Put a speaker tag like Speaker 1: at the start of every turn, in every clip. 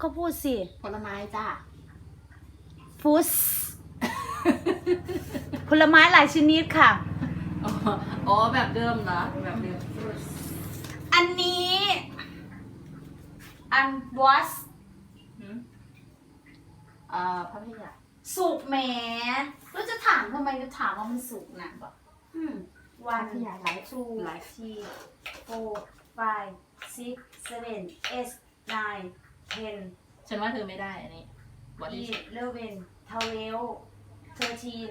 Speaker 1: ก็พูดสิ
Speaker 2: ผลไม้จ้า
Speaker 1: ฟุส ผลไม้หลายชนิดค่ะ
Speaker 2: อ๋อแบบเดิมเหรอแบบเดิม
Speaker 1: อันนี้อัน was
Speaker 2: พัทยา
Speaker 1: สุกแหมแล้วจะถามทำไมจะถามว่ามันสุกนะบอกวัน
Speaker 2: พัทยาไลฟ์
Speaker 1: two
Speaker 2: ไลฟ์
Speaker 1: three four five six seven eight nine ten
Speaker 2: ฉันว่าเธอไม่ได้อันนี้ What is it?
Speaker 1: 11 12 13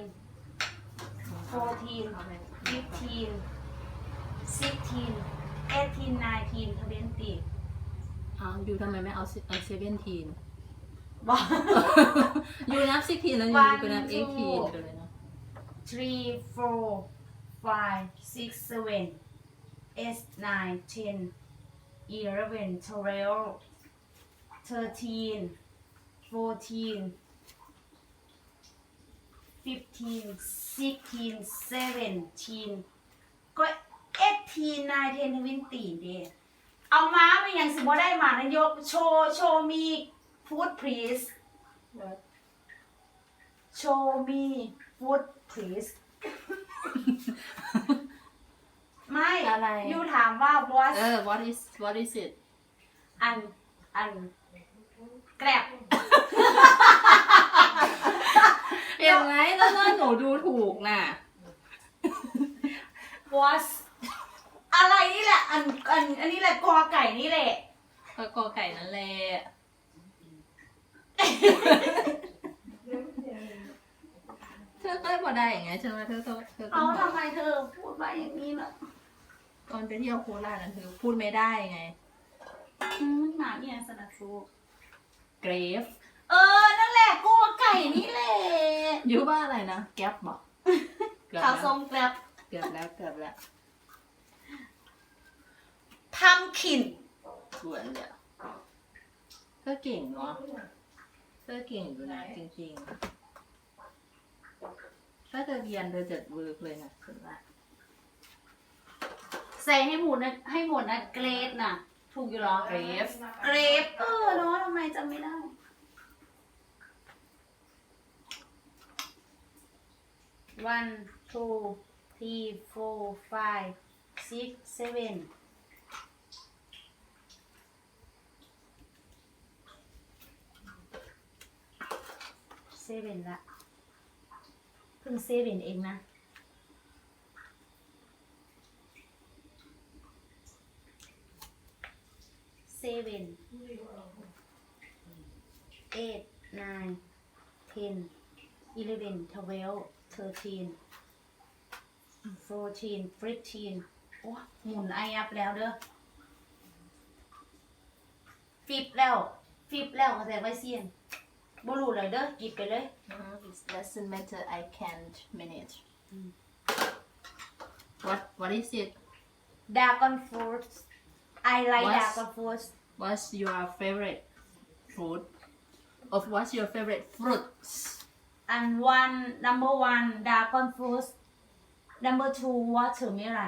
Speaker 1: 14 15 16 18 19 20
Speaker 2: อยู่ทำไมไม่เอาเซเว่นทีน
Speaker 1: บอก
Speaker 2: อยู่นับซิกทีนแล้วอยู่ก็นับเอ็กทีนไปเลยเนาะ
Speaker 1: 3 4 5 6 7 8 9 10 11 12 13 14 15 16 17 ก็ 18 19 20เด้เอาม้าไปยังสิบ่ได้มานะยกโชว์มีฟู้ดพรีสโชว์มีฟู้ดพรีสไม่
Speaker 2: อะไร
Speaker 1: ยูถามว่า what
Speaker 2: what is it
Speaker 1: อันแกร็บ
Speaker 2: เห็นไหมแล้วหนูดูถูกน่ะ
Speaker 1: was อะไรนี่แหละอันนี้แหละกอไก่นี่แหละ
Speaker 2: ก็กอไก่นั่นแหละเธอก็พอได้อย่างไงใช่ไหมเธอต้
Speaker 1: เอา
Speaker 2: อง
Speaker 1: ทำไมเธอพูดมาอย่างนี้ล่ะ
Speaker 2: ตอนไปเที่ยวโคราชนั่นเธอพูดไม่ได้ไง
Speaker 1: หมาเนี่ยสนับสู
Speaker 2: เกรฟ
Speaker 1: นั่นแหละกอไก่นี่แหละ
Speaker 2: ยูว่าอะไรนะแก๊ปบอก
Speaker 1: ข้าวส้มแกร็บ
Speaker 2: เกือบแล้ว
Speaker 1: ทำขิน
Speaker 2: สวนเลยเธอเก่งเนาะเธอเก่งอยู่นะจริงๆถ้าเธอเรียนเธอจะเวิร์กเลยนะฉันว่า
Speaker 1: ใส่ให้หมดนะเกรดน่ะ ถูกอยู่เหรอ
Speaker 2: เกรฟ
Speaker 1: เกรดเนาะทำไมจำไม่ได้ 1 2 3 4 5 6 7 7ละเพิ่ง7เองนะ 7 8 9 10 11 12 13 14 15โอ้หมุนไออัพแล้วเด้อฟิบแล้วก็แต่ไว้เสียนบ่รู้เลยเด้อกิบไปเลย
Speaker 2: It doesn't matter I can't manage what is it
Speaker 1: Dragon fruit I like
Speaker 2: What's-
Speaker 1: dragon fruit
Speaker 2: what's your favorite fruit of what's your favorite fruits
Speaker 1: and number 1 dragon fruit number 2 watermelon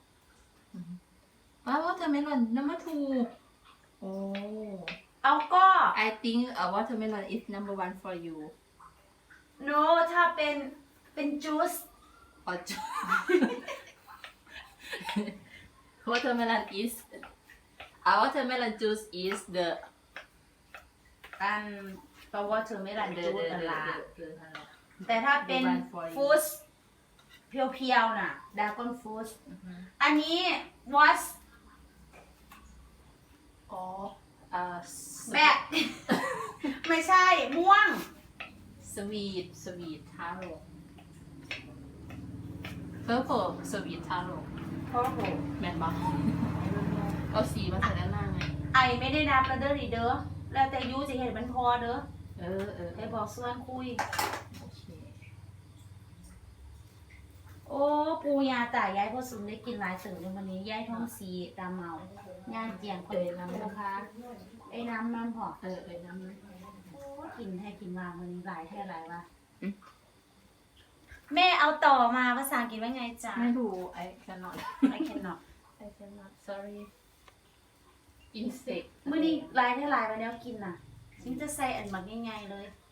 Speaker 2: watermelon number 2 oh
Speaker 1: เอาก็
Speaker 2: I think a watermelon is number 1 for you
Speaker 1: no ถ้าเป็นจูส
Speaker 2: or watermelon is a watermelon juice is the
Speaker 1: อันก็วอเตอร์เมลอนจูสนั่นล่ะ
Speaker 2: the
Speaker 1: แต่ถ้าเป็น
Speaker 2: The one for you
Speaker 1: ฟูสเพียวๆน่ะดากอนฟูสอันนี้ was
Speaker 2: อ๋อ
Speaker 1: แบก ไม่ใช่ม่วง
Speaker 2: sweet taro purple sweet taro
Speaker 1: เพราะโห
Speaker 2: แมนบอกเอาสีมาใส่ด้านล่างไง
Speaker 1: ไอไม่ได้นับแล้วเด้อดิเด้อแล้วแต่ยูจะเห็นมันพอเด้อ
Speaker 2: เออ
Speaker 1: ไปบอกส่วนคุย
Speaker 2: โอเค
Speaker 1: โอ้ปูยาตายายพ่อสุนได้กินหลายตื่นในวันนี้ยายท้องสีตาเมาย่างเจียงคนน้ำนะคะไอ้น้ำมันพอ
Speaker 2: น้ำมัน
Speaker 1: โอ้กินให้กินวางวันนี้หลายแค่ไรวะแม่เอาต่อมาภาษาอังกฤษว่าไงจ๊ะ
Speaker 2: ไม่รู้ I cannot
Speaker 1: I cannot
Speaker 2: I cannot sorry insect
Speaker 1: มื้อนี้หลายเท่าไรวันนี้กินน่ะมันจะใส่อันหมักง่ายๆเลย